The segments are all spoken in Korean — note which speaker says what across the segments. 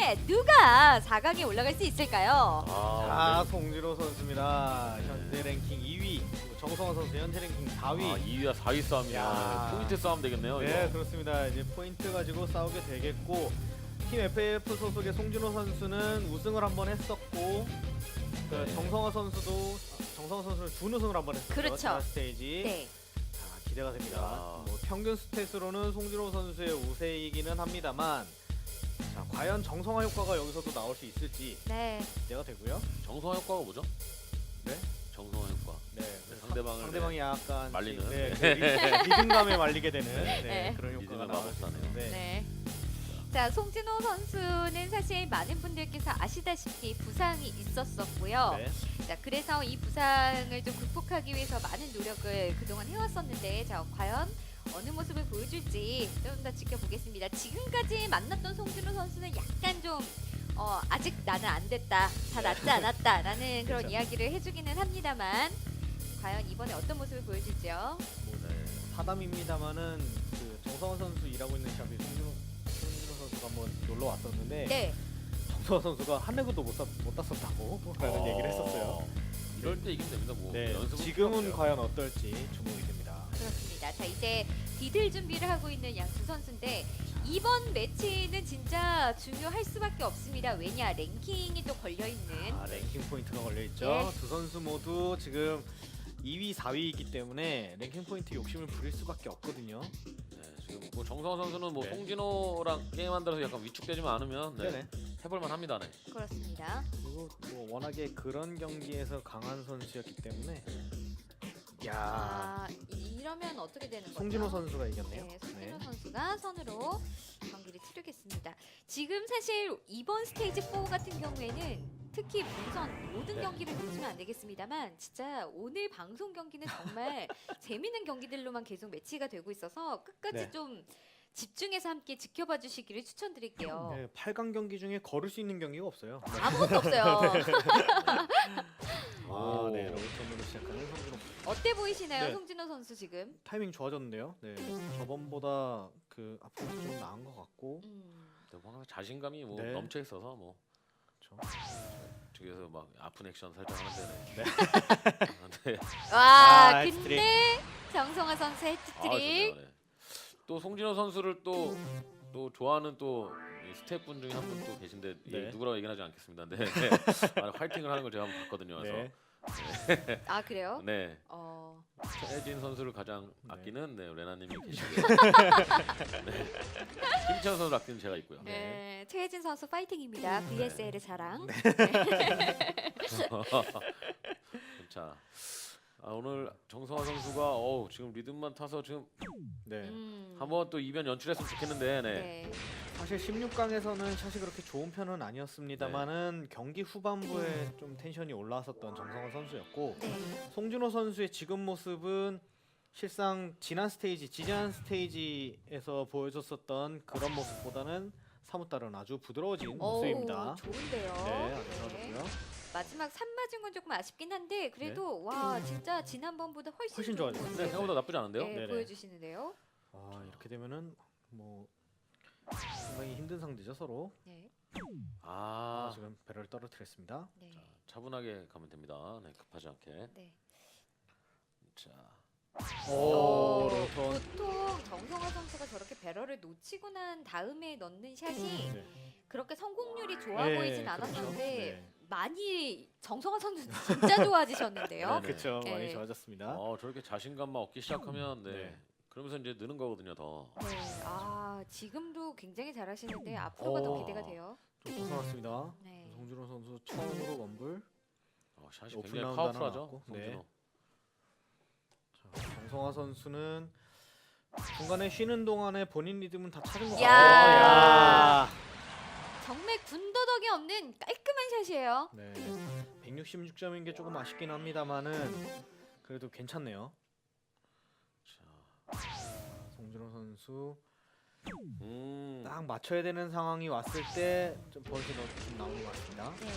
Speaker 1: 때문에 누가 4강에 올라갈 수 있을까요?
Speaker 2: 자, 송진호 선수입니다. 현재 랭킹 2위. 그리고 정성화 선수 현재 랭킹 4위.
Speaker 3: 2위와 4위 싸움이야.
Speaker 2: 야.
Speaker 3: 포인트 싸움 되겠네요.
Speaker 2: 네,
Speaker 3: 이거.
Speaker 2: 그렇습니다. 이제 포인트 가지고 싸우게 되겠고, 팀 FAF 소속의 송진호 선수는 우승을 한번 했었고, 그 정성화 선수도 정성화 선수는 준우승을 한번 했었죠.
Speaker 1: 그렇죠.
Speaker 2: 지난 스테이지.
Speaker 1: 네.
Speaker 2: 자, 기대가 됩니다.
Speaker 3: 야.
Speaker 2: 뭐 평균 스탯으로는 송진호 선수의 우세이기는 합니다만, 자, 과연 정성화 효과가 여기서도 나올 수 있을지
Speaker 1: 네.
Speaker 2: 기대가 되고요.
Speaker 3: 정성화 효과가 뭐죠?
Speaker 2: 네?
Speaker 3: 정성화 효과.
Speaker 2: 네,
Speaker 3: 상대방을
Speaker 2: 약간
Speaker 3: 말리는.
Speaker 2: 네, 리듬감에 말리게 되는
Speaker 1: 네.
Speaker 2: 그런 효과가
Speaker 3: 리듬을
Speaker 2: 나올 수
Speaker 3: 마법사네요.
Speaker 2: 있는데
Speaker 1: 네. 자, 송진호 선수는 사실 많은 분들께서 아시다시피 부상이 있었었고요.
Speaker 2: 네.
Speaker 1: 자, 그래서 이 부상을 좀 극복하기 위해서 많은 노력을 그동안 해왔었는데, 자, 과연 어느 모습을 보여줄지 좀 더 지켜보겠습니다. 지금까지 만났던 송진호 선수는 약간 좀 아직 나는 안 됐다, 다 낫지 않았다라는 그런
Speaker 2: 그렇죠.
Speaker 1: 이야기를 해주기는 합니다만, 과연 이번에 어떤 모습을 보여줄지요?
Speaker 2: 네. 사담입니다만은 그 정성원 선수 일하고 있는 샵에 송진호 선수가 한번 놀러 왔었는데
Speaker 1: 네.
Speaker 2: 정성원 선수가 한 레그도 못 땄었다고 라는 얘기를 했었어요.
Speaker 3: 이럴 때 이기면 됩니다. 뭐
Speaker 2: 네.
Speaker 3: 연습은
Speaker 2: 지금은
Speaker 3: 필요 없어요.
Speaker 2: 과연 어떨지 주목이 됩니다.
Speaker 1: 그렇습니다. 자, 이제 디딜 준비를 하고 있는 양 두 선수인데, 이번 매치는 진짜 중요할 수밖에 없습니다. 왜냐, 랭킹이 또 걸려있는.
Speaker 2: 랭킹 포인트가 걸려 있죠.
Speaker 1: 네.
Speaker 2: 두 선수 모두 지금 2위, 4위이기 때문에 랭킹 포인트 욕심을 부릴 수밖에 없거든요.
Speaker 3: 네, 지금 뭐 정성화 선수는 뭐
Speaker 2: 네.
Speaker 3: 송진호랑 게임한다서 약간 위축되지만 않으면 네,
Speaker 2: 네네.
Speaker 3: 해볼만 합니다. 네.
Speaker 1: 그렇습니다.
Speaker 2: 그리고 뭐 워낙에 그런 경기에서 강한 선수였기 때문에 야,
Speaker 1: 아, 이러면 어떻게 되는 거죠?
Speaker 2: 송진호 선수가 이겼네요.
Speaker 1: 네, 송진호 선수가 선으로 경기를 치르겠습니다. 지금 사실 이번 스테이지 4 같은 경우에는 특히 본선 모든
Speaker 2: 네.
Speaker 1: 경기를 놓치면 안 되겠습니다만, 진짜 오늘 방송 경기는 정말 재밌는 경기들로만 계속 매치가 되고 있어서 끝까지
Speaker 2: 네.
Speaker 1: 좀 집중해서 함께 지켜봐 주시기를 추천드릴게요.
Speaker 2: 네, 8강 경기 중에 걸을 수 있는 경기가 없어요.
Speaker 1: 아무것도 없어요.
Speaker 2: 아, 네,
Speaker 3: 오.
Speaker 2: 로우턴으로 시작하는 송진호.
Speaker 1: 어때 보이시나요,
Speaker 2: 네.
Speaker 1: 송진호 선수 지금?
Speaker 2: 타이밍 좋아졌는데요. 네, 저번보다 그 앞으로 좀 나은 것 같고.
Speaker 3: 네, 뭐 항상 자신감이 뭐
Speaker 2: 네.
Speaker 3: 넘쳐 있어서 뭐
Speaker 2: 그렇죠.
Speaker 3: 뒤에서 막 아픈 액션 살짝 하는데.
Speaker 2: 네.
Speaker 3: 네.
Speaker 1: 와,
Speaker 2: 헤트트릭.
Speaker 1: 근데 정성화 선수
Speaker 3: 아,
Speaker 1: 헤트트릭.
Speaker 3: 좋네요. 네. 또 송진호 선수를 또 좋아하는 또 스태프분 중에 한 분 또 계신데
Speaker 2: 네.
Speaker 3: 누구라고 얘기는 하지 않겠습니다. 네. 화이팅을 하는 걸 제가 한번 봤거든요. 그래서
Speaker 2: 네.
Speaker 1: 아, 그래요?
Speaker 3: 네. 최혜진 선수를 가장
Speaker 2: 네.
Speaker 3: 아끼는 레나님이 계시고요. 네. 김치현 선수 아끼는 제가 있고요.
Speaker 1: 네, 최혜진 선수 파이팅입니다. VSL의 사랑.
Speaker 3: 자, 오늘 정성화 선수가 지금 리듬만 타서 지금
Speaker 2: 네.
Speaker 3: 한번 또 이변 연출했으면 좋겠는데, 네.
Speaker 1: 네.
Speaker 2: 사실 16강에서는 샷이 그렇게 좋은 편은 아니었습니다만은 경기 후반부에 좀 텐션이 올라왔었던 정성원 선수였고,
Speaker 1: 네.
Speaker 2: 송진호 선수의 지금 모습은 실상 지난 스테이지에서 보여줬었던 그런 모습보다는 사뭇 다른 아주 부드러워진 모습입니다.
Speaker 1: 좋은데요.
Speaker 2: 네, 아주 좋아졌고요.
Speaker 1: 마지막 3 맞은 건 조금 아쉽긴 한데, 그래도 와, 진짜 지난번보다 훨씬
Speaker 2: 훨씬
Speaker 1: 좋은
Speaker 2: 좋아졌어요.
Speaker 1: 모습,
Speaker 3: 네, 생각보다 나쁘지 않은데요.
Speaker 1: 네,
Speaker 2: 네네.
Speaker 1: 보여주시는데요.
Speaker 2: 이렇게 되면은 뭐 상당히 힘든 상대죠 서로.
Speaker 1: 네.
Speaker 2: 지금 배럴을 떨어뜨렸습니다.
Speaker 1: 네.
Speaker 3: 차분하게 가면 됩니다. 네, 급하지 않게.
Speaker 1: 네.
Speaker 3: 자,
Speaker 2: 로턴.
Speaker 1: 보통 정성화 선수가 저렇게 배럴을 놓치고 난 다음에 넣는 샷이
Speaker 2: 네.
Speaker 1: 그렇게 성공률이 좋아
Speaker 2: 네,
Speaker 1: 보이진
Speaker 2: 그렇죠.
Speaker 1: 않았었는데,
Speaker 2: 네.
Speaker 1: 많이 정성화 선수 진짜 좋아지셨는데요.
Speaker 3: 네.
Speaker 2: 그렇죠.
Speaker 1: 네.
Speaker 2: 많이 좋아졌습니다.
Speaker 3: 저렇게 자신감만 얻기 시작하면
Speaker 2: 네.
Speaker 3: 그러면서 이제 느는 거거든요, 더.
Speaker 1: 네. 지금도 굉장히 잘하시는데 앞으로가 더 기대가 돼요.
Speaker 2: 좀 벗어났습니다.
Speaker 1: 네.
Speaker 2: 송진호 선수 처음으로 원불.
Speaker 3: 샷이
Speaker 2: 오픈
Speaker 3: 굉장히
Speaker 2: 라운드 하나
Speaker 3: 파워풀하죠,
Speaker 2: 나왔고.
Speaker 3: 송진호.
Speaker 2: 정성화 선수는 중간에 쉬는 동안에 본인 리듬은 다 찾은 것
Speaker 1: 야.
Speaker 2: 같아요.
Speaker 1: 정말 군더더기 없는 깔끔한 샷이에요.
Speaker 2: 네. 166점인 게 조금 아쉽긴 합니다만은 그래도 괜찮네요.
Speaker 3: 자,
Speaker 2: 송진호 선수
Speaker 3: 음.
Speaker 2: 딱 맞춰야 되는 상황이 왔을 때 좀 버릇이 좀 나오는 것 같습니다.
Speaker 1: 네.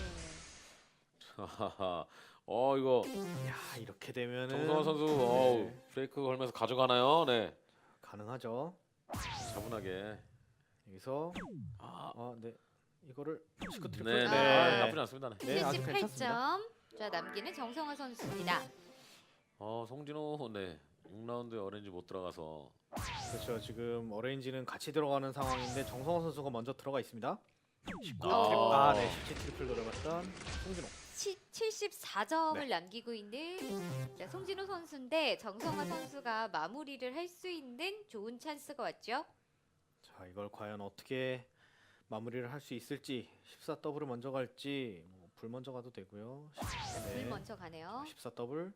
Speaker 3: 이거
Speaker 2: 야, 이렇게 되면은
Speaker 3: 정성화 선수
Speaker 2: 네,
Speaker 3: 브레이크 걸면서 가져가나요? 네.
Speaker 2: 가능하죠.
Speaker 3: 차분하게.
Speaker 2: 여기서
Speaker 3: 아,
Speaker 2: 네. 이거를 시크 트리플.
Speaker 3: 네, 네.
Speaker 1: 네.
Speaker 3: 아, 나쁘지 않습니다. 네.
Speaker 2: 네, 아주 괜찮습니다.
Speaker 1: 78점. 자, 남기는 정성화 선수입니다.
Speaker 3: 송진호 네 6라운드에 어렌지 못 들어가서
Speaker 2: 그렇죠. 지금 어레인지는 같이 들어가는 상황인데 정성호 선수가 먼저 들어가 있습니다. 19
Speaker 3: 아.
Speaker 2: 트리플. 아, 네. 17 트리플 노려봤던 송진호.
Speaker 1: 74점을
Speaker 2: 네.
Speaker 1: 남기고 있는 자, 송진호 선수인데 정성화 선수가 마무리를 할 수 있는 좋은 찬스가 왔죠.
Speaker 2: 자, 이걸 과연 어떻게 마무리를 할 수 있을지. 14 더블을 먼저 갈지 불 먼저 가도 되고요.
Speaker 1: 불 먼저 가네요.
Speaker 2: 14 더블.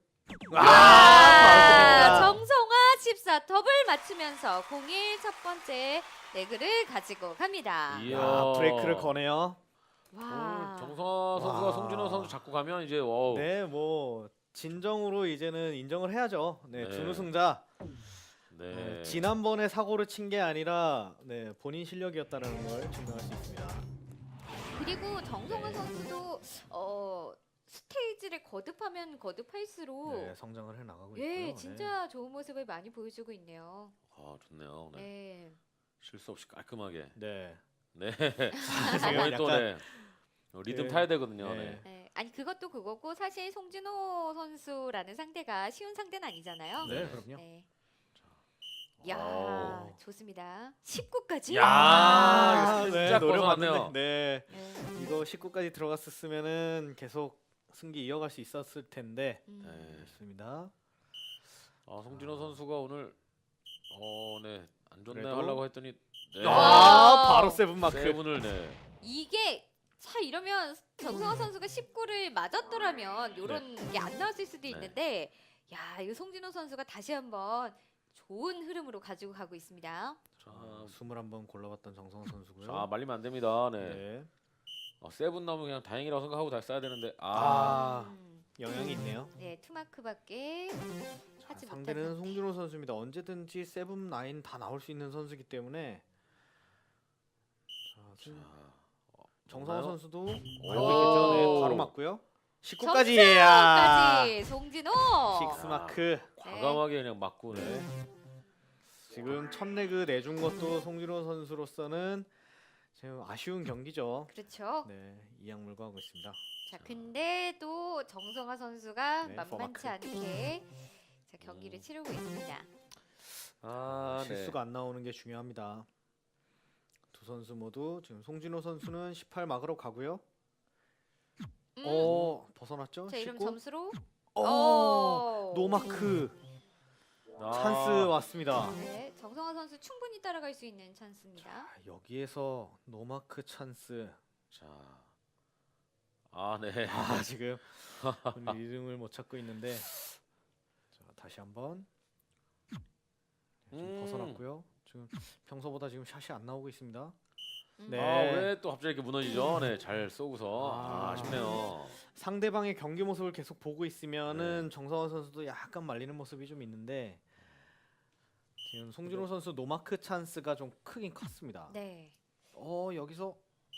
Speaker 1: 아, 정성화 14 더블 맞추면서 01 첫 번째 레그를 가지고 갑니다.
Speaker 3: 이야.
Speaker 2: 야, 브레이크를 거네요.
Speaker 1: 와.
Speaker 3: 정성화 선수가
Speaker 2: 와.
Speaker 3: 송진호 선수 잡고 가면 이제 와우.
Speaker 2: 네, 뭐 진정으로 이제는 인정을 해야죠. 네,
Speaker 3: 네.
Speaker 2: 준우승자.
Speaker 3: 네.
Speaker 2: 지난번에 사고를 친 게 아니라 네, 본인 실력이었다는 걸 증명할 수 있습니다.
Speaker 1: 그리고 정성화 선수도 스테이지를 거듭하면 거듭할수록
Speaker 2: 네, 성장을 해 나가고
Speaker 1: 예,
Speaker 2: 있고요.
Speaker 1: 진짜 좋은 모습을 많이 보여주고 있네요.
Speaker 3: 아, 좋네요. 네.
Speaker 1: 네.
Speaker 3: 실수 없이 깔끔하게.
Speaker 2: 네.
Speaker 3: 네.
Speaker 2: 지금
Speaker 3: 거의 또
Speaker 2: 약간
Speaker 3: 네. 리듬
Speaker 2: 네.
Speaker 3: 타야 되거든요.
Speaker 2: 네.
Speaker 3: 네.
Speaker 1: 네. 아니 그것도 그거고 사실 송진호 선수라는 상대가 쉬운 상대는 아니잖아요.
Speaker 2: 네, 그럼요.
Speaker 1: 네. 야,
Speaker 3: 와우.
Speaker 1: 좋습니다. 19까지.
Speaker 3: 야, 이거
Speaker 2: 네,
Speaker 3: 살짝
Speaker 2: 노려봤는데
Speaker 3: 벗어났네요.
Speaker 2: 네.
Speaker 1: 네.
Speaker 2: 이거 19까지 들어갔었으면은 계속 승기 이어갈 수 있었을 텐데.
Speaker 1: 음.
Speaker 3: 네.
Speaker 2: 좋습니다.
Speaker 3: 송진호 선수가 오늘 네. 안 좋네
Speaker 2: 그래도-
Speaker 3: 하려고 했더니 네.
Speaker 1: 와.
Speaker 2: 바로 세븐 마크.
Speaker 3: 세븐을 네.
Speaker 1: 이게 차 이러면 정성화 선수가 19를 맞았더라면 이런 게 안 나왔을 수도 있는데 야, 이거 송진호 선수가 다시 한번 좋은 흐름으로 가지고 가고 있습니다.
Speaker 3: 자,
Speaker 2: 21번 골라봤던 정성호 선수고요.
Speaker 3: 말리면 안 됩니다. 네.
Speaker 2: 네.
Speaker 3: 세븐 나오면 그냥 다행이라고 생각하고 다시 써야 되는데
Speaker 2: 영향이 있네요.
Speaker 1: 네, 투마크밖에 하지
Speaker 2: 상대는
Speaker 1: 못한
Speaker 2: 송준호 선수입니다. 언제든지 세븐 라인 다 나올 수 있는 선수이기 때문에. 자, 정성호
Speaker 3: 맞나요?
Speaker 2: 선수도
Speaker 3: 오.
Speaker 2: 알고 있겠죠. 네, 바로 맞고요. 19까지.
Speaker 1: 까지 송진호.
Speaker 2: 식스 마크.
Speaker 3: 과감하게 그냥 맞고 네.
Speaker 2: 지금 첫 레그 내준 것도 송준호 선수로서는 지금 아쉬운 경기죠.
Speaker 1: 그렇죠.
Speaker 2: 네, 이양물고 하고 있습니다.
Speaker 1: 자, 근데 또 정성화 선수가
Speaker 2: 네,
Speaker 1: 만만치
Speaker 2: 포마크.
Speaker 1: 않게 자, 경기를 치르고 있습니다.
Speaker 3: 네.
Speaker 2: 실수가 안 나오는 게 중요합니다. 두 선수 모두 지금 송진호 선수는 18 막으로 가고요. 벗어났죠?
Speaker 1: 자, 이름
Speaker 2: 19.
Speaker 1: 점수로
Speaker 2: 노마크 찬스 왔습니다.
Speaker 1: 네, 정성화 선수 충분히 따라갈 수 있는 찬스입니다.
Speaker 2: 자, 여기에서 노마크 찬스.
Speaker 3: 자. 네.
Speaker 2: 지금 리듬을 못 찾고 있는데. 자, 다시 한번. 지금 벗어났고요. 지금 평소보다 지금 샷이 안 나오고 있습니다. 네.
Speaker 3: 왜 또 갑자기 이렇게 무너지죠? 네, 잘 쏘고서 아쉽네요.
Speaker 2: 상대방의 경기 모습을 계속 보고 있으면은 정성원 선수도 약간 말리는 모습이 좀 있는데 지금 송진호 선수 노마크 찬스가 좀 크긴 컸습니다.
Speaker 1: 네.
Speaker 2: 여기서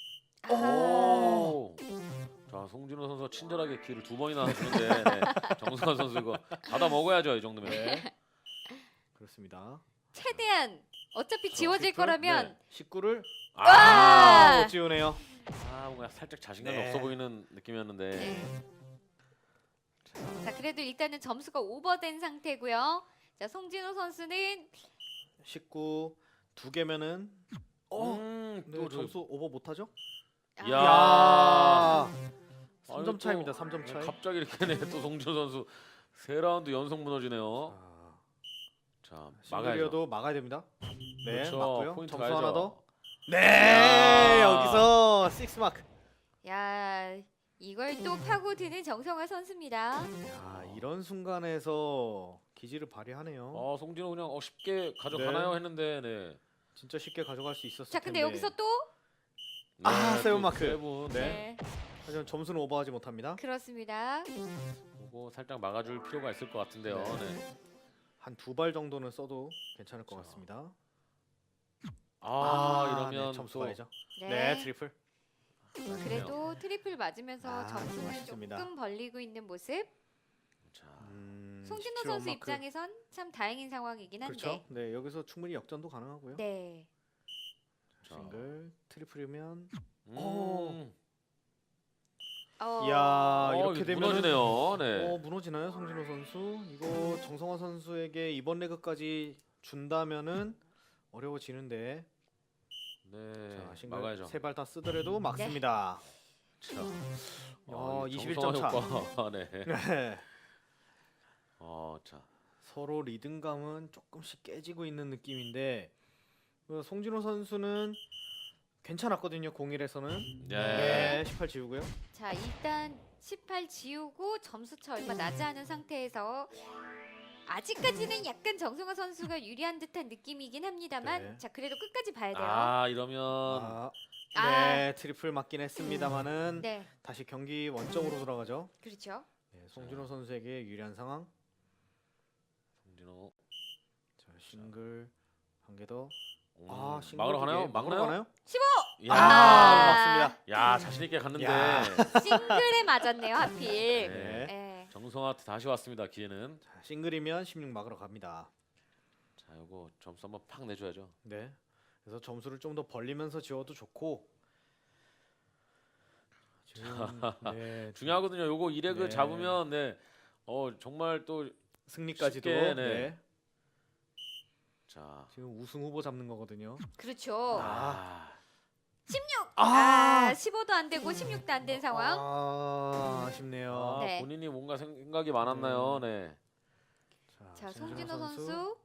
Speaker 3: 오. 자, 송진호 선수가 친절하게 기회를 2번이나 주는데 네. 정승환 선수 이거 받아 먹어야죠, 이 정도면.
Speaker 2: 네. 그렇습니다.
Speaker 1: 최대한 어차피 지워질 거라면
Speaker 2: 19를
Speaker 1: 와!
Speaker 2: 못 지우네요.
Speaker 3: 뭔가 살짝 자신감이
Speaker 2: 네.
Speaker 3: 없어 보이는 느낌이었는데.
Speaker 1: 네. 자, 그래도 일단은 점수가 오버된 상태고요. 자, 송진호 선수는
Speaker 2: 19 두 개면은
Speaker 3: 네,
Speaker 2: 네, 점수 오버 못 하죠?
Speaker 3: 야.
Speaker 2: 야. 3점
Speaker 3: 또-
Speaker 2: 차입니다. 3점 차이.
Speaker 3: 갑자기 이렇게 네, 또 송진호 선수 3라운드 연속 무너지네요. 자, 막아야죠.
Speaker 2: 싱글이어도 막아야 됩니다. 네,
Speaker 3: 그렇죠.
Speaker 2: 맞고요.
Speaker 3: 포인트
Speaker 2: 점수
Speaker 3: 가야죠.
Speaker 2: 하나 더. 네,
Speaker 3: 야.
Speaker 2: 여기서 6 마크.
Speaker 1: 야, 이걸 또 파고드는 정성화 선수입니다.
Speaker 2: 야, 이런 순간에서 기지를 발휘하네요.
Speaker 3: 송진호 그냥 쉽게 가져가나요
Speaker 2: 네.
Speaker 3: 했는데 네.
Speaker 2: 진짜 쉽게 가져갈 수 있었을
Speaker 1: 자, 근데
Speaker 2: 텐데.
Speaker 1: 여기서 또
Speaker 2: 아,
Speaker 3: 또
Speaker 2: 세븐 마크.
Speaker 3: 세븐.
Speaker 2: 네. 하지만 점수는 오버하지 못합니다.
Speaker 1: 그렇습니다.
Speaker 3: 그거 살짝 막아줄 필요가 있을 것 같은데요. 네.
Speaker 2: 한 2발 정도는 써도 괜찮을 것
Speaker 3: 그렇죠.
Speaker 2: 같습니다.
Speaker 3: 이러면
Speaker 2: 네, 점수
Speaker 3: 또
Speaker 2: 가야죠. 네, 트리플.
Speaker 1: 그래도 트리플 맞으면서
Speaker 2: 좀
Speaker 1: 점수는
Speaker 2: 아쉽습니다.
Speaker 1: 조금 벌리고 있는 모습.
Speaker 3: 자,
Speaker 1: 송진호
Speaker 2: 17
Speaker 1: 선수
Speaker 2: 마크.
Speaker 1: 입장에선 참 다행인 상황이긴 한데.
Speaker 2: 그렇죠. 네, 여기서 충분히 역전도 가능하고요.
Speaker 1: 네.
Speaker 3: 자.
Speaker 2: 싱글, 트리플이면
Speaker 3: 음.
Speaker 2: 이야, 이렇게
Speaker 3: 이거
Speaker 2: 되면은
Speaker 3: 무너지네요. 네.
Speaker 2: 무너지나요, 송진호 선수? 이거 정성화 선수에게 이번 레그까지 준다면은 어려워지는데.
Speaker 3: 네.
Speaker 2: 자, 싱글
Speaker 3: 막아야죠.
Speaker 2: 세 발 다 쓰더라도 막습니다.
Speaker 3: 자.
Speaker 2: 어,
Speaker 3: 이
Speaker 2: 21점 차.
Speaker 3: 정성화 효과. 네.
Speaker 2: 네.
Speaker 3: 자.
Speaker 2: 서로 리듬감은 조금씩 깨지고 있는 느낌인데 송진호 선수는 괜찮았거든요. 01에서는.
Speaker 3: 네.
Speaker 2: 네, 18 지우고요.
Speaker 1: 자, 일단 18 지우고 점수차 얼마 나지 않은 상태에서 아직까지는 약간 정성화 선수가 유리한 듯한 느낌이긴 합니다만
Speaker 2: 네.
Speaker 1: 자, 그래도 끝까지 봐야 돼요.
Speaker 3: 이러면
Speaker 2: 아,
Speaker 1: 아.
Speaker 2: 네, 트리플 맞긴 했습니다만은
Speaker 1: 네,
Speaker 2: 다시 경기 원점으로 돌아가죠.
Speaker 1: 그렇죠.
Speaker 2: 네, 송진호 선수에게 유리한 상황.
Speaker 3: 송진호.
Speaker 2: 자, 싱글 한 개 더. 싱글
Speaker 3: 막으러
Speaker 2: 두 개.
Speaker 3: 가나요?
Speaker 2: 막으러
Speaker 3: 막나요?
Speaker 2: 가나요?
Speaker 1: 15!
Speaker 3: 야.
Speaker 2: 맞습니다.
Speaker 3: 야, 자신 있게 갔는데.
Speaker 2: 야.
Speaker 1: 싱글에 맞았네요, 하필.
Speaker 3: 네.
Speaker 1: 네.
Speaker 3: 정성화한테 다시 왔습니다. 기회는.
Speaker 2: 자, 싱글이면 16 막으러 갑니다.
Speaker 3: 자, 요거 점수 한번 팍 내줘야죠.
Speaker 2: 네. 그래서 점수를 좀 더 벌리면서 지워도 좋고. 지금 네,
Speaker 3: 중요하거든요. 요거 2레그
Speaker 2: 네.
Speaker 3: 잡으면 네. 정말 또
Speaker 2: 승리까지도
Speaker 3: 쉽게,
Speaker 2: 네.
Speaker 3: 네. 자.
Speaker 2: 지금 우승 후보 잡는 거거든요.
Speaker 1: 그렇죠.
Speaker 3: 아.
Speaker 1: 15도 안 되고 16도 안 된 상황.
Speaker 2: 아쉽네요.
Speaker 1: 네.
Speaker 3: 본인이 뭔가 생각이 많았나요? 네.
Speaker 1: 자, 송진호 선수.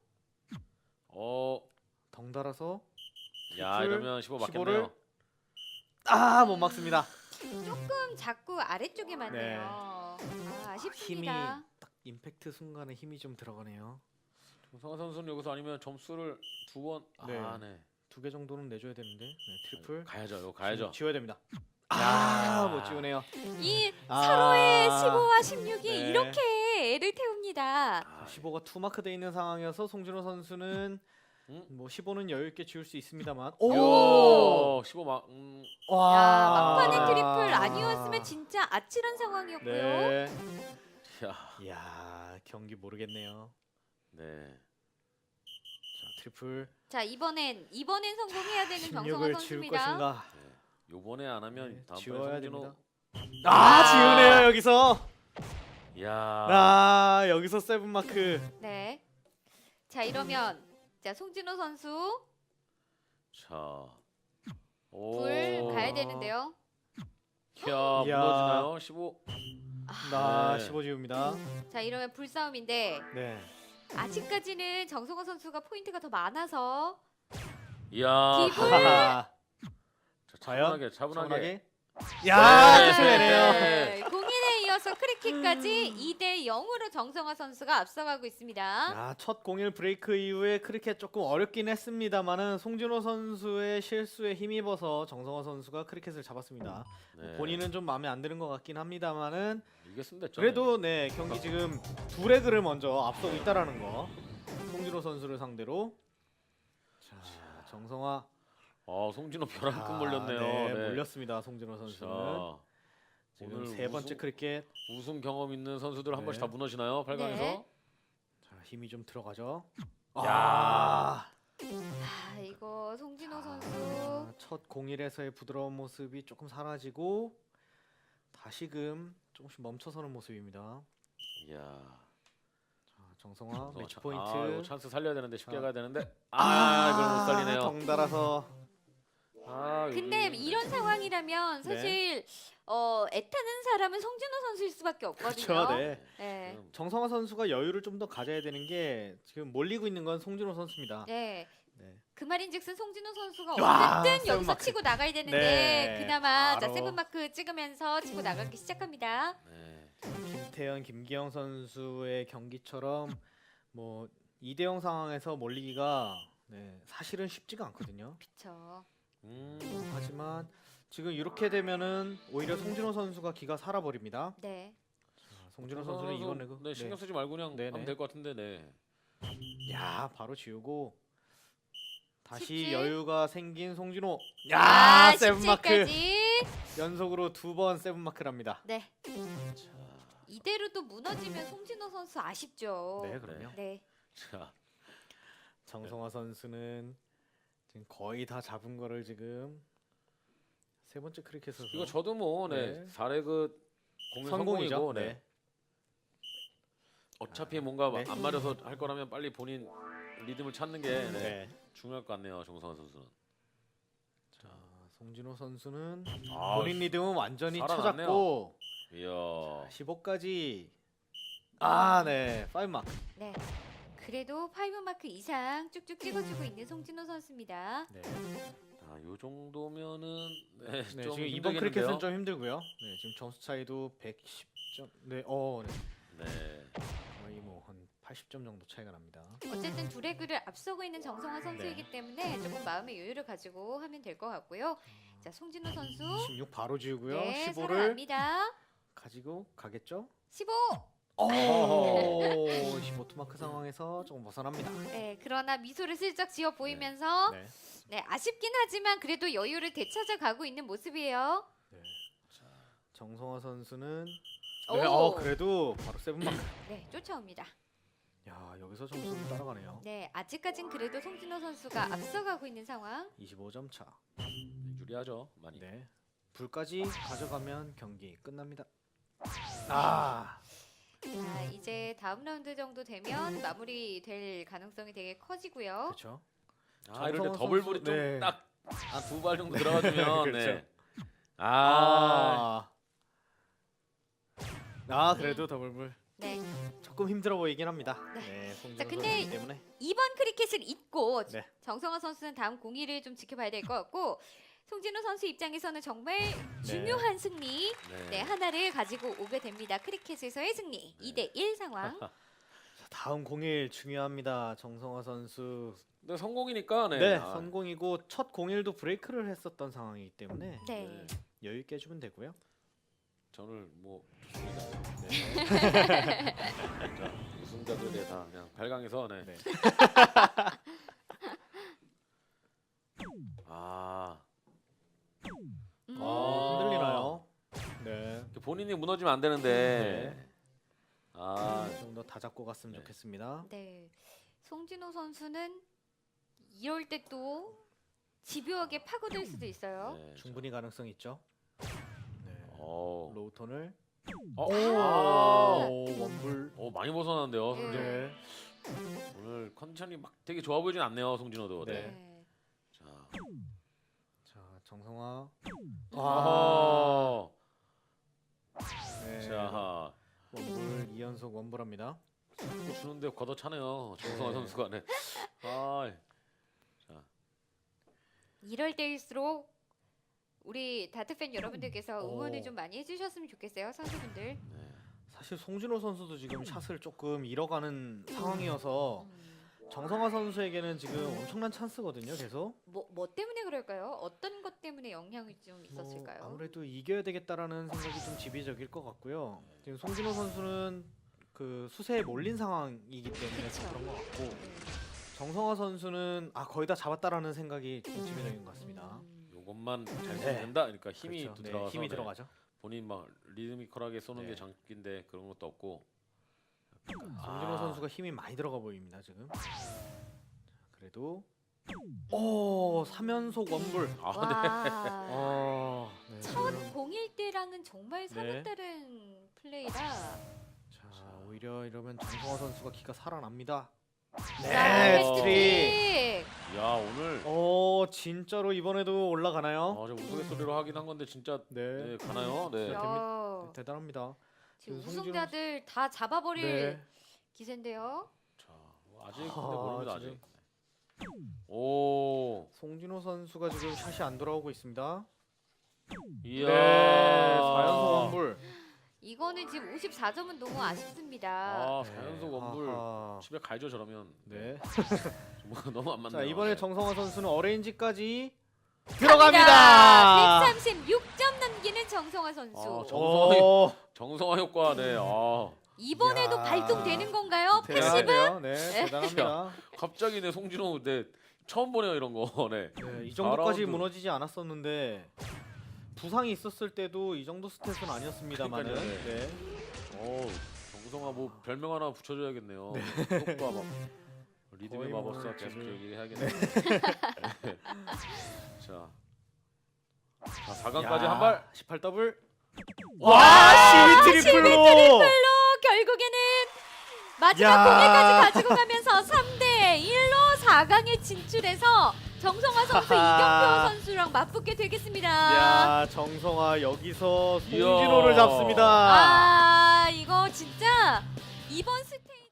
Speaker 2: 덩달아서
Speaker 3: 야,
Speaker 2: 트리플,
Speaker 3: 이러면 15
Speaker 2: 15를
Speaker 3: 맞겠네요.
Speaker 2: 못 막습니다.
Speaker 1: 조금 자꾸 아래쪽에 맞네요.
Speaker 2: 힘이
Speaker 1: 아쉽습니다.
Speaker 2: 딱 임팩트 순간에 힘이 좀 들어가네요.
Speaker 3: 정성화 선수는 여기서 아니면 점수를 2번
Speaker 2: 네.
Speaker 3: 네.
Speaker 2: 2개 정도는 내줘야 되는데. 네, 트리플
Speaker 3: 가야죠. 이거 가야죠.
Speaker 2: 지워야 됩니다.
Speaker 3: 야.
Speaker 2: 못 지우네요.
Speaker 1: 이
Speaker 2: 아.
Speaker 1: 서로의 15와 16이
Speaker 2: 네.
Speaker 1: 이렇게 애를 태웁니다.
Speaker 2: 15가 투마크 돼 있는 상황이어서 송진호 선수는
Speaker 3: 음?
Speaker 2: 뭐 15는 여유 있게 지울 수 있습니다만.
Speaker 3: 오! 15 막.
Speaker 1: 야, 막판에 트리플 아니었으면 진짜 아찔한 상황이었고요.
Speaker 2: 네.
Speaker 3: 야.
Speaker 2: 이야, 경기 모르겠네요.
Speaker 3: 네.
Speaker 2: 자, 트리플
Speaker 1: 자, 이번엔 성공해야 되는 정성화
Speaker 2: 16을 지울
Speaker 1: 선수입니다.
Speaker 2: 것인가?
Speaker 3: 요번에 안 하면
Speaker 2: 네,
Speaker 3: 다음번에
Speaker 2: 지워야
Speaker 3: 송진호.
Speaker 2: 됩니다. 지우네요 여기서.
Speaker 3: 야.
Speaker 2: 여기서 세븐 마크.
Speaker 1: 네. 자, 이러면 자, 송진호 선수
Speaker 3: 자.
Speaker 1: 불 가야 되는데요.
Speaker 3: 야,
Speaker 2: 이야.
Speaker 3: 무너지나요? 15. 네.
Speaker 2: 15 지웁니다.
Speaker 1: 자, 이러면 불싸움인데
Speaker 2: 네.
Speaker 1: 아직까지는 정성화 선수가 포인트가 더 많아서
Speaker 3: 이야.
Speaker 1: 기분.
Speaker 3: 자,
Speaker 2: 과연?
Speaker 3: 차분하게.
Speaker 2: 야,
Speaker 3: 네.
Speaker 2: 끝내네요.
Speaker 1: 네, 공인에 이어서 크리킥까지 2대 0으로 정성화 선수가 앞서가고 있습니다.
Speaker 2: 야, 첫 01 브레이크 이후에 크리켓 조금 어렵긴 했습니다만은 송진호 선수의 실수에 힘입어서 정성화 선수가 크리켓을 잡았습니다.
Speaker 3: 네.
Speaker 2: 본인은 좀 마음에 안 드는 것 같긴 합니다만은
Speaker 3: 이겼으면 됐죠.
Speaker 2: 그래도 네, 경기 지금 두 레그를 먼저 앞서고 있다라는 거. 송진호 선수를 상대로. 자, 정성화
Speaker 3: 송진호 벼랑 끝 몰렸네요.
Speaker 2: 네,
Speaker 3: 네.
Speaker 2: 몰렸습니다. 송진호 선수는.
Speaker 3: 자,
Speaker 2: 지금
Speaker 3: 오늘
Speaker 2: 세 번째 크리켓.
Speaker 3: 우승 경험 있는 선수들 한
Speaker 2: 네.
Speaker 3: 번씩 다 무너지나요? 8강에서?
Speaker 1: 네.
Speaker 2: 자, 힘이 좀 들어가죠.
Speaker 3: 야.
Speaker 1: 이거 송진호 선수
Speaker 2: 첫 01에서의 부드러운 모습이 조금 사라지고 다시금 조금씩 멈춰서는 모습입니다.
Speaker 3: 이야.
Speaker 2: 자, 정성화 매치 포인트.
Speaker 3: 이거 찬스 살려야 되는데 쉽게
Speaker 2: 자.
Speaker 3: 가야 되는데. 이걸 못 살리네요.
Speaker 2: 덩달아서.
Speaker 1: 근데 이런 상황이라면 사실 애타는 사람은 송진호 선수일 수밖에 없거든요.
Speaker 2: 그렇죠. 네.
Speaker 1: 네.
Speaker 2: 정성화 선수가 여유를 좀 더 가져야 되는 게 지금 몰리고 있는 건 송진호 선수입니다.
Speaker 1: 네.
Speaker 2: 네.
Speaker 1: 그 말인즉슨 송진호 선수가
Speaker 2: 와,
Speaker 1: 어쨌든
Speaker 2: 세븐
Speaker 1: 여기서
Speaker 2: 마크.
Speaker 1: 치고 나가야 되는데
Speaker 2: 네,
Speaker 1: 그나마 자
Speaker 2: 바로.
Speaker 1: 세븐 마크 찍으면서 치고 나가기 시작합니다.
Speaker 3: 네.
Speaker 2: 김태현, 김기영 선수의 경기처럼 뭐 2대0 상황에서 몰리기가 사실은 쉽지가 않거든요.
Speaker 1: 그렇죠.
Speaker 2: 하지만 지금 이렇게 되면은 오히려 송진호 선수가 기가 살아버립니다.
Speaker 1: 네.
Speaker 2: 송진호 선수는 이건 내고.
Speaker 3: 네, 신경 쓰지 말고 그냥
Speaker 2: 네네.
Speaker 3: 하면 될 것 같은데. 네.
Speaker 2: 야, 바로 지우고 다시
Speaker 1: 17.
Speaker 2: 여유가 생긴 송진호.
Speaker 1: 아,
Speaker 2: 세븐 마크
Speaker 1: 17까지.
Speaker 2: 연속으로 2번 세븐 마크랍니다.
Speaker 1: 네.
Speaker 3: 자.
Speaker 1: 이대로 또 무너지면 송진호 선수 아쉽죠.
Speaker 2: 네, 그럼요.
Speaker 1: 네.
Speaker 3: 자.
Speaker 2: 정성화 선수는 지금 거의 다 잡은 거를 지금 세 번째 크리켓에서
Speaker 3: 이거 저도 뭐
Speaker 2: 네.
Speaker 3: 4레그 공연
Speaker 2: 성공이죠.
Speaker 3: 성공이고
Speaker 2: 네.
Speaker 3: 네. 어차피 뭔가
Speaker 2: 네.
Speaker 3: 안 맞아서 할 거라면 빨리 본인 리듬을 찾는 게 네.
Speaker 2: 네.
Speaker 3: 중요할 것 같네요. 정성화 선수는.
Speaker 2: 자, 송진호 선수는
Speaker 3: 아,
Speaker 2: 본인 리듬은 완전히
Speaker 3: 살아났네요.
Speaker 2: 찾았고
Speaker 3: 이야.
Speaker 2: 15까지 네. 5 마크.
Speaker 1: 네. 그래도 5 마크 이상 쭉쭉 찍어주고 있는 송진호 선수입니다.
Speaker 2: 네.
Speaker 3: 자, 요 정도면은 네,
Speaker 2: 네,
Speaker 3: 좀
Speaker 2: 지금 이번
Speaker 3: 힘들겠는데요.
Speaker 2: 크리켓은 좀 힘들고요. 네, 지금 점수 차이도 110점. 네. 네.
Speaker 3: 네.
Speaker 2: 거의 뭐 한 80점 정도 차이가 납니다.
Speaker 1: 어쨌든 두 레그를 앞서고 있는 정성화 선수이기
Speaker 2: 네.
Speaker 1: 때문에 조금 마음의 여유를 가지고 하면 될 것 같고요. 자, 송진호 선수
Speaker 2: 16 바로 지우고요.
Speaker 1: 네,
Speaker 2: 15를
Speaker 1: 살아납니다.
Speaker 2: 가지고 가겠죠?
Speaker 1: 15.
Speaker 2: 오! 15 투마크 상황에서 조금 벗어납니다.
Speaker 1: 네, 그러나 미소를 슬쩍 지어 보이면서
Speaker 2: 네.
Speaker 1: 네, 아쉽긴 하지만 그래도 여유를 되찾아 가고 있는 모습이에요.
Speaker 2: 네. 정성화 선수는
Speaker 1: 오!
Speaker 2: 네, 그래도 바로 7 마크.
Speaker 1: 네, 쫓아옵니다.
Speaker 2: 야, 여기서 점수를 따라가네요.
Speaker 1: 네, 아직까진 그래도 송진호 선수가 앞서가고 있는 상황.
Speaker 2: 25점 차.
Speaker 3: 유리하죠. 많이.
Speaker 2: 네. 불까지 가져가면 경기 끝납니다. 아,
Speaker 1: 자, 이제 다음 라운드 정도 되면 마무리될 가능성이 되게 커지고요.
Speaker 2: 그렇죠.
Speaker 3: 아, 이럴 때
Speaker 2: 정성화
Speaker 3: 더블볼이
Speaker 2: 선수, 네.
Speaker 3: 좀 딱 한 두 발 정도 들어가주면
Speaker 2: 그렇죠.
Speaker 3: 네. 아,
Speaker 2: 그래도 더블불
Speaker 1: 네,
Speaker 2: 조금 힘들어 보이긴 합니다. 네,
Speaker 1: 자,
Speaker 2: 송진호
Speaker 1: 근데
Speaker 2: 선수이기 때문에.
Speaker 1: 이번 크리켓을 잊고
Speaker 2: 네.
Speaker 1: 정성화 선수는 다음 공의를 좀 지켜봐야 될 것 같고 송진호 선수 입장에서는 정말 중요한 승리 네, 하나를 가지고 오게 됩니다. 크리켓에서의 승리 2대1 상황.
Speaker 2: 자, 다음 공일 중요합니다. 정성화 선수.
Speaker 3: 근데 성공이니까 네.
Speaker 2: 네,
Speaker 3: 아,
Speaker 2: 성공이고 첫 공일도 브레이크를 했었던 상황이기 때문에
Speaker 1: 네.
Speaker 2: 여유 있게 해주면 되고요.
Speaker 3: 저는 뭐 좋습니다.
Speaker 2: 네.
Speaker 3: 자, 우승자들에 다 그냥 발광해서 네.
Speaker 2: 네.
Speaker 3: 아,
Speaker 2: 흔들리나요? 네.
Speaker 3: 본인이 무너지면 안 되는데. 아,
Speaker 2: 좀 더 다 잡고 갔으면
Speaker 3: 네.
Speaker 2: 좋겠습니다.
Speaker 1: 네, 송진호 선수는 이럴 때 또 집요하게 파고들 수도 있어요.
Speaker 3: 네,
Speaker 2: 충분히 가능성 있죠. 네.
Speaker 3: 어,
Speaker 2: 로우톤을
Speaker 3: 아,
Speaker 2: 원불.
Speaker 3: 많이 벗어났는데요.
Speaker 1: 네.
Speaker 3: 송진호.
Speaker 2: 네.
Speaker 3: 오늘 컨디션이 막 되게 좋아 보이진 않네요, 송진호도. 네.
Speaker 2: 네.
Speaker 3: 자,
Speaker 2: 자, 정성화.
Speaker 3: 아,
Speaker 2: 네.
Speaker 3: 자,
Speaker 2: 원불 2연속 원불합니다.
Speaker 3: 자꾸 주는데 걷어차네요, 정성화
Speaker 2: 네.
Speaker 3: 선수가. 네. 아, 자,
Speaker 1: 이럴 때일수록 우리 다트 팬 여러분들께서 응원을
Speaker 2: 오.
Speaker 1: 좀 많이 해주셨으면 좋겠어요, 선수분들.
Speaker 3: 네.
Speaker 2: 사실 송진호 선수도 지금 샷을 조금 잃어가는 상황이어서
Speaker 1: 음,
Speaker 2: 정성화 선수에게는 지금 엄청난 찬스거든요. 계속.
Speaker 1: 뭐 때문에 그럴까요? 어떤 것 때문에 영향이 좀 있었을까요?
Speaker 2: 아무래도 이겨야 되겠다라는 생각이 좀 지배적일 것 같고요. 지금 송진호 선수는 그 수세에 몰린 상황이기 때문에
Speaker 1: 그쵸.
Speaker 2: 좀 그런 것 같고
Speaker 1: 네.
Speaker 2: 정성화 선수는 거의 다 잡았다라는 생각이 좀 지배적인 것 같습니다.
Speaker 3: 요것만 잘 쓰면
Speaker 2: 네.
Speaker 3: 된다. 그러니까 힘이
Speaker 2: 그렇죠.
Speaker 3: 또
Speaker 2: 네,
Speaker 3: 들어가서
Speaker 2: 힘이
Speaker 3: 네.
Speaker 2: 들어가죠.
Speaker 3: 본인 막 리드미컬하게 쏘는
Speaker 2: 네.
Speaker 3: 게 장기인데 그런 것도 없고.
Speaker 2: 송진호
Speaker 3: 아.
Speaker 2: 선수가 힘이 많이 들어가 보입니다 지금. 자, 그래도 오 3연속 원불.
Speaker 1: 와.
Speaker 2: 네,
Speaker 1: 첫
Speaker 2: 지금.
Speaker 1: 공일 때랑은 정말
Speaker 2: 네.
Speaker 1: 사뭇 다른 플레이라.
Speaker 2: 자 오히려 이러면 정성화 선수가 기가 살아납니다.
Speaker 1: 자,
Speaker 2: 네,
Speaker 1: 헤트트릭.
Speaker 3: 야, 오늘
Speaker 2: 진짜로 이번에도 올라가나요?
Speaker 3: 저 우스갯소리로 하긴 한 건데 진짜
Speaker 2: 네,
Speaker 3: 네, 가나요? 네.
Speaker 1: 야,
Speaker 2: 대단합니다.
Speaker 1: 지금
Speaker 2: 송진호
Speaker 1: 우승자들 다 잡아버릴
Speaker 2: 네.
Speaker 1: 기세인데요.
Speaker 3: 자, 아직 근데
Speaker 2: 아,
Speaker 3: 모릅니다,
Speaker 2: 지금.
Speaker 3: 아직. 오.
Speaker 2: 송진호 선수가 지금 샷이 안 돌아오고 있습니다.
Speaker 3: 이야.
Speaker 2: 네, 4연속 원불.
Speaker 1: 이거는 지금 54점은 너무 아쉽습니다.
Speaker 3: 아,
Speaker 2: 네,
Speaker 3: 4연속 원불.
Speaker 2: 아하.
Speaker 3: 집에 가야죠, 저러면.
Speaker 2: 네.
Speaker 3: 뭐 너무 안 맞네요.
Speaker 2: 자 이번에
Speaker 3: 네.
Speaker 2: 정성화 선수는 어레인지까지
Speaker 1: 갑니다.
Speaker 2: 들어갑니다.
Speaker 1: 136점 남기는 정성화 선수.
Speaker 3: 아,
Speaker 2: 오,
Speaker 3: 정성화 효과. 네. 아.
Speaker 1: 이번에도
Speaker 2: 이야.
Speaker 1: 발동되는 건가요? 80은?
Speaker 2: 대단한데요. 네, 대단합니다.
Speaker 3: 갑자기 네 송진호 네 처음 보네요, 이런 거. 네.
Speaker 2: 네, 이 정도까지
Speaker 3: 4라운드.
Speaker 2: 무너지지 않았었는데 부상이 있었을 때도 이 정도 스탯은 아니었습니다만은.
Speaker 3: 그러니까요, 네.
Speaker 2: 네.
Speaker 3: 정성화 뭐 별명 하나 붙여줘야겠네요. 효과 막 리듬의
Speaker 2: 거의 뭐
Speaker 3: 마법사 계속
Speaker 2: 지금-
Speaker 3: 얘기해야겠네요. 네. 자, 자, 4강까지 한 발.
Speaker 2: 18 더블.
Speaker 1: 와,
Speaker 2: 12 트리플로.
Speaker 1: 결국에는 마지막
Speaker 2: 야.
Speaker 1: 공에까지 가지고 가면서 3대 1로 4강에 진출해서 정성화 선수, 이경표 선수랑 맞붙게 되겠습니다.
Speaker 2: 야, 정성화 여기서
Speaker 3: 이야.
Speaker 2: 송진호를 잡습니다.
Speaker 1: 아, 이거 진짜 이번 스테이지